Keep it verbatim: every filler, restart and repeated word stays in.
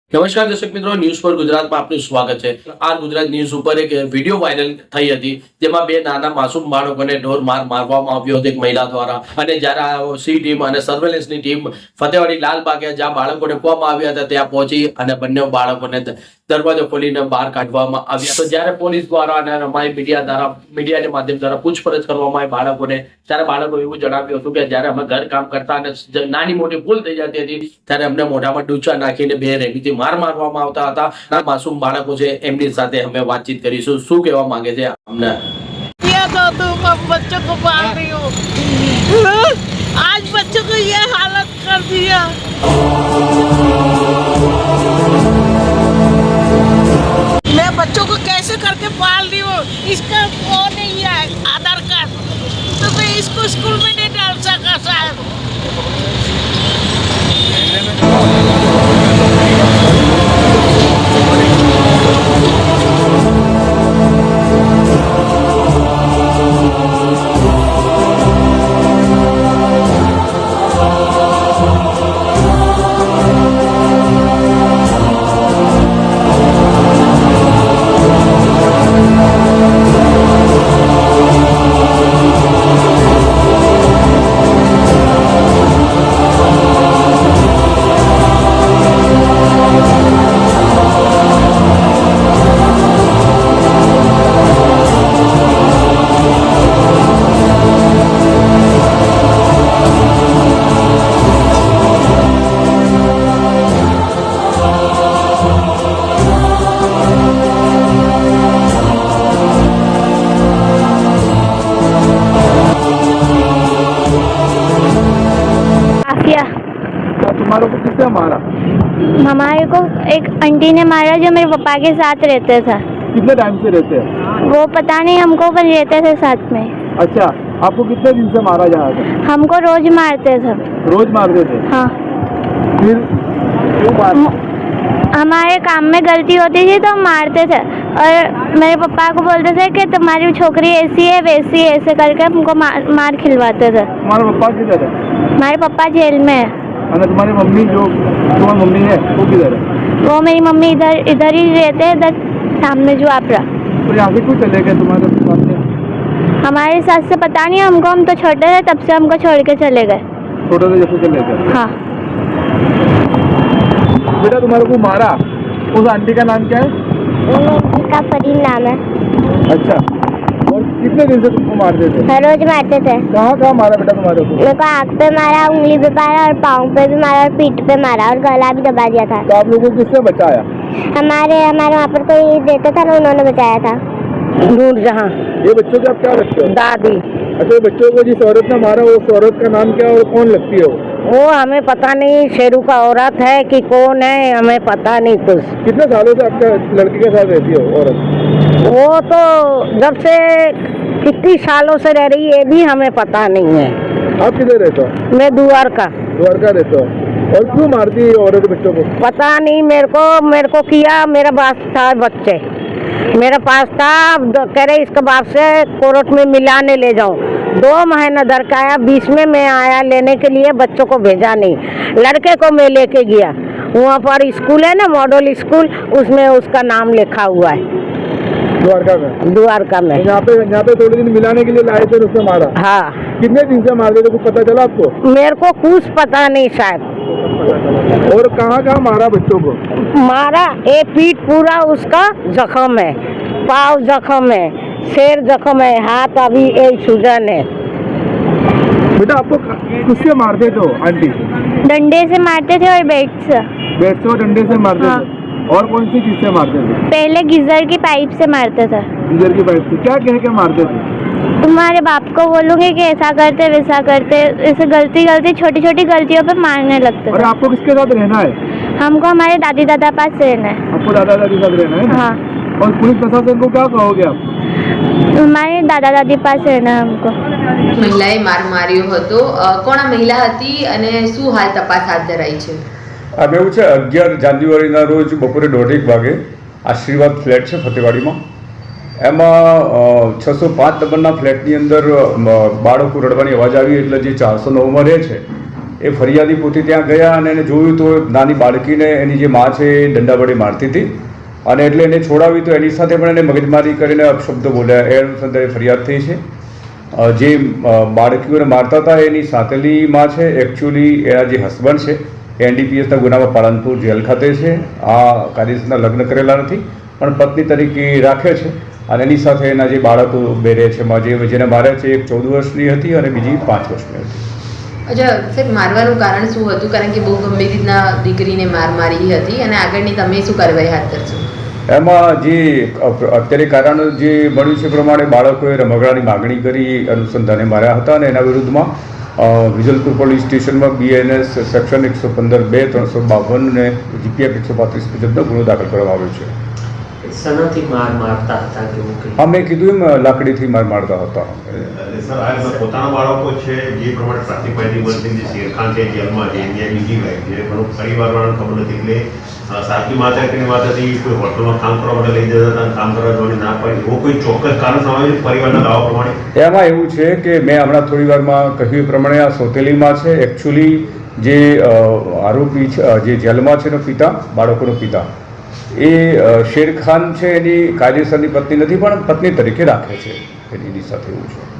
નમસ્કાર દર્શક મિત્રો, ન્યૂઝ પર ગુજરાતમાં આપનું સ્વાગત છે। આ ગુજરાત ન્યૂઝ ઉપર એક વિડીયો વાયરલ થઈ હતી, જેમાં બે નાના માસૂમ બાળકોને ઢોર માર મારવામાં આવ્યો હતો એક મહિલા દ્વારા। અને જ્યારે આ સી ટીમ અને સર્વેલન્સની ટીમ ફતેવાડી લાલબાગે જ્યાં બાળકોને મૂકવામાં આવ્યા હતા ત્યાં પહોંચી અને બંને બાળકોને દરવાજો ખોલીને બહાર કાઢવામાં આવ્યા। તો જ્યારે પોલીસ દ્વારા અને અમારી મીડિયા દ્વારા મીડિયાના માધ્યમ દ્વારા પૂછપરછ કરવામાં આવી બાળકોને, ત્યારે બાળકો એવું જણાવ્યું હતું કે જ્યારે અમે ઘર કામ કરતા અને નાની મોટી ભૂલ થઈ જતી હતી ત્યારે અમને મોઢામાં ડૂચા નાખીને બે રેતીથી માર મારવામાં આવતા હતા। આ માસૂમ બાળકો છે, એમની સાથે અમે વાતચીત કરીશું, શું કહેવા માંગે છે અમને। तो तुम अब बच्चों को पाल रही हो, आज बच्चों को ये हालत कर दिया। मैं बच्चों को कैसे करके पाल रही हूँ, इसका वो नहीं है आधार कार्ड, तो मैं इसको स्कूल में नहीं डाल सका शायद। तुम्हारे को किसने मारा? हमारे को एक आंटी ने मारा जो मेरे पापा के साथ रहते थे। कितने टाइम से रहते हैं? वो पता नहीं, हमको पर रहते थे साथ में। अच्छा, आपको कितने दिन से मारा जा रहा था? हमको रोज मारते थे। रोज मारते थे? हाँ। फिर क्यों मार? हमारे काम में गलती होती थी तो मारते थे, और मेरे पापा को बोलते थे कि तुम्हारी छोकरी ऐसी है वैसी है, ऐसे करके हमको मार, मार खिलवाते थे। तुम्हारे पापा किधर है? हमारे पापा जेल में है। और तुम्हारी मम्मी जो तुम्हारी मम्मी है वो किधर है? वो मेरी मम्मी इधर इधर ही रहते हैं, इधर सामने जो आप रहा। तो यहाँ से क्यों चले गए तुम्हारे साथ से? हमारे साथ से पता नहीं, हमको हम तो छोटे थे तब से हमको छोड़ के चले गए। छोटे थे जब से चले गए? हाँ। बेटा तुम्हारे को मारा उस आंटी का नाम क्या है? का फरीन नाम है। अच्छा, और कितने दिन से तुमको मारते थे? हर रोज मारते थे। कहाँ कहाँ मारा बेटा तुम्हारे को? मेरे को आँख पे मारा, उंगली पे मारा, और पाँव पे भी मारा, और पीठ पे मारा, और गला भी दबा दिया था। तो आप लोगों को किसने बचाया? हमारे हमारे वहाँ पर कोई रहता था ना, उन्होंने बचाया था। नूरजहां ये बच्चों के आप क्या लगते हो? दादी। अच्छा, बच्चों को जिस औरत ने मारा वो उस औरत का नाम क्या है और कौन लगती है वो? वो हमें पता नहीं, शेरू का औरत है कि कौन है, हमें पता नहीं कुछ। कितने सालों से आपका लड़के के साथ रहती है वो औरत? वो तो जब से कितनी सालों से रह रही है ये भी हमें पता नहीं है। आप किधर रहते हो? मैं दुआर का द्वारका रहते हो। और क्यों मारती है औरत बच्चों को? पता नहीं, मेरे को मेरे को किया, मेरा पास था बच्चे, मेरा पास था, कह रहे इसके बाप से कोर्ट में मिलाने ले जाऊं। दो महीना दर का आया, बीच में मैं आया लेने के लिए, बच्चों को भेजा नहीं, लड़के को मैं लेके गया। वहाँ पर स्कूल है ना, मॉडल स्कूल, उसमें उसका नाम लिखा हुआ है द्वारका में। द्वारका में। यहाँ पे यहाँ पे थोड़े दिन मिलाने के लिए लाए थे, उसने मारा। हाँ। कितने दिन से मारते थे, कुछ पता चला आपको? मेरे को कुछ पता नहीं शायद। और कहाँ कहाँ मारा बच्चों को? मारा, एक पीठ पूरा उसका जख्म है, पाँव जख्म है, सिर जख्म है, हाथ अभी एक सूजन है। बेटा आपको किससे मारते थे आंटी? डंडे से मारते थे और बेट से। बेट से और डंडे से मारते हाँ। थे? और कौन सी चीज से मारते थे? पहले गीजर की पाइप से मारते थे। गीजर की पाइप से क्या कह के मारते थे? तुम्हारे बाप को बोलूंगी कि ऐसा करते वैसा करते, ऐसे गलती गलती छोटी छोटी गलतियों पे मारने लगते और थे। आपको किसके साथ रहना है? हमको हमारे दादी दादा पास रहना है। आपको दादा दादी साथ रहना है ना? हाँ। और पुलिस प्रशासन को क्या कहोगे आप? हमारे दादा दादी पास रहना है हमको। મહિલાએ માર માર્યો હતો, અ, કોણ આ મહિલા હતી અને શું હાલ તપાસ હાથ ધરાઈ છે? આ એવું છે અગિયાર જાન્યુઆરીના રોજ બપોરે દોઢેક વાગે આશીર્વાદ ફ્લેટ છે ફતેવાડીમાં, એમાં છસો પાંચ નંબરના ફ્લેટની અંદર બાળકો રડવાની અવાજ આવી એટલે જે ચારસો નવમાં રહે છે એ ફરિયાદી પોતે ત્યાં ગયા અને એને જોયું તો નાની બાળકીને એની જે મા છે એ દંડા વડે મારતી હતી અને એટલે એને છોડાવી તો એની સાથે પણ એને મગજમારી કરીને અપશબ્દો બોલ્યા. એ અનુસંધાને ફરિયાદ થઈ છે. જે બાળકીઓને મારતા હતા એની સાતેલી માં છે, એકચ્યુઅલી એના જે હસબન્ડ છે એ એનડીપીએસના ગુનામાં પાલનપુર જેલ ખાતે છે. આ કાયદેસરના લગ્ન કરેલા નથી પણ પત્ની તરીકે રાખે છે અને એની સાથે એના જે બાળકો બે રહે છે, જે જેને મારે છે એક ચૌદ વર્ષની હતી અને બીજી પાંચ વર્ષની હતી. અચ્છા સાહેબ, મારવાનું કારણ શું હતું? કારણ કે બહુ ગંભીર રીતના દીકરીને માર મારી હતી અને આગળની તમે શું કાર્યવાહી હાથ ધરશો? એમાં જે અત્યારે કારણ જે મળ્યું છે પ્રમાણે બાળકોએ રમકડાની માગણી કરી અનુસંધાને માર્યા હતા અને એના વિરુદ્ધમાં વિજલપુર પોલીસ સ્ટેશનમાં બીએનએસ સેક્શન એકસો પંદર બે ત્રણસો બાવન અને જીપીએફ એકસો પાંત્રીસ મુજબનો ગુનો દાખલ કરવામાં આવ્યો છે. સનાથી માર મારતા હતા કે એવું કંઈ? હા, મેં કીધું એમ લાકડીથી માર મારતા હતા. સર, આ પોતાના બાળકો છે જે પ્રમાણે પ્રાથમિક માહિતી મળતી જે શેરખાન છે જેલમાં છે, ત્યાં બીજી વાઈફ છે, પણ પરિવારવાળાને ખબર નથી એટલે સાચી માતા કે માતાથી કોઈ હોટલમાં કામ કરવા માટે લઈ જતા હતા, કામ કરવા જવાની ના પાડી, એવો કોઈ ચોક્કસ કારણ સમાવે પરિવારના દાવા પ્રમાણે? એમાં એવું છે કે મેં હમણાં થોડી વારમાં કહ્યું એ પ્રમાણે આ સોતેલીમાં છે એકચ્યુઅલી જે આરોપી છે, જે જેલમાં છે એનો પિતા, બાળકોનો પિતા, એ શેરખાન છે એની કાયદેસરની પત્ની નથી પણ પત્ની તરીકે રાખે છે એની સાથે. એવું છે.